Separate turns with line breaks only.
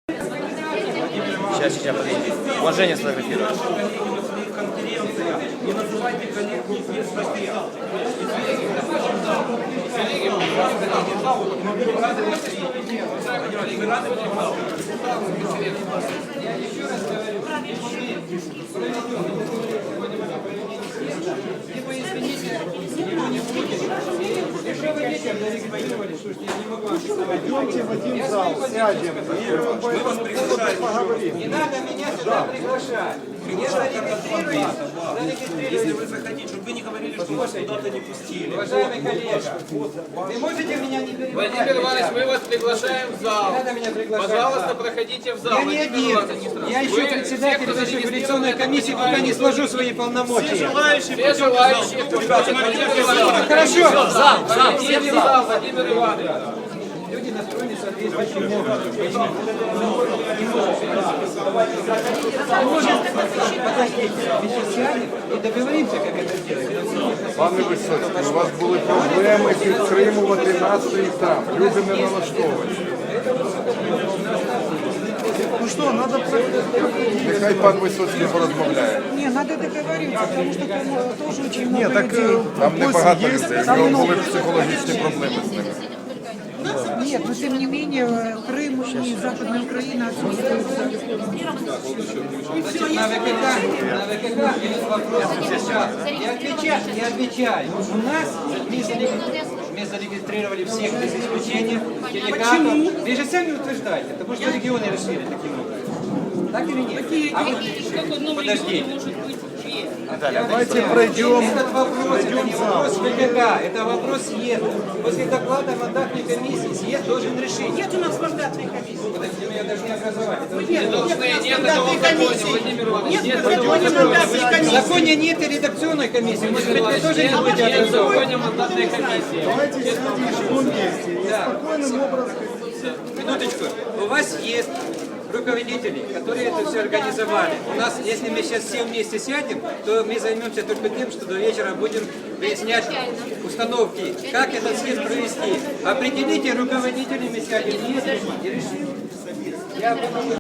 Сейчас, подожди. Уважение сфотографировать.
Не называйте коллегу без врага.
Либо извините, его не будет. Если вы детям зарегистрировали, слушайте, я не могу вам рисовать.
Пойдемте в один зал, сядем и по этому поводу поговорим.
Не надо меня сюда приглашать. Я зарегистрирую.
Если вы захотите, чтобы вы не говорили, что вас куда-то не пустили.
Уважаемый коллега, вы можете меня не перебивать?
Владимир Иванович, мы вас приглашаем в зал.
Не надо меня приглашать.
Пожалуйста, проходите в зал.
Я не один. Я еще председатель революционной комиссии, пока не сложу свои полномочия.
Все желающие, кто хочет, Владимир Иванович.
Хорошо.
Все в зал, Владимир Иванович.
Люди настроены соответствующим образом. Подождите, мы сейчас сядем и договоримся, как это сделать.
Пане Висоцький, у вас були проблеми підтримувати настрій там. Люди не налаштовані. Ну що, треба... Нехай пан Висоцький порозмовляє.
Не, надо договориться, потому что там тоже очень много
Ні, так
людей.
там небагато людей, у нього були психологічні проблеми з ними.
Нет, но тем не менее Крым и Западная Украина отсутствуют.
На ВКК есть вопрос. Я отвечаю. У нас мы зарегистрировали всех без исключения делегатов. Вы же сами утверждаете, потому что регионы решили таким образом. Так или нет? А вы подождите.
Давайте пройдем.
Этот вопрос, это не вопрос ВКК, это вопрос съезда. После доклада мандатной комиссии съезд должен решить.
Нет у нас мандатной комиссии.
Подожди, меня даже не образовать.
Нет,
Нет такого в законе, Владимир Иванович. Нет
в законе мандатной
В
комиссии.
законе нет и редакционной комиссии. Может быть, вы тоже не будете
Нет в
образовывать.
законе мандатной комиссии.
Давайте сядем вместе и спокойным образом.
Минуточку. У вас есть руководители, которые это все организовали. У нас, если мы сейчас все вместе сядем, то мы займемся только тем, что до вечера будем выяснять установки, как этот съезд провести. Определите руководителей, мы сядем вместе и решим. Я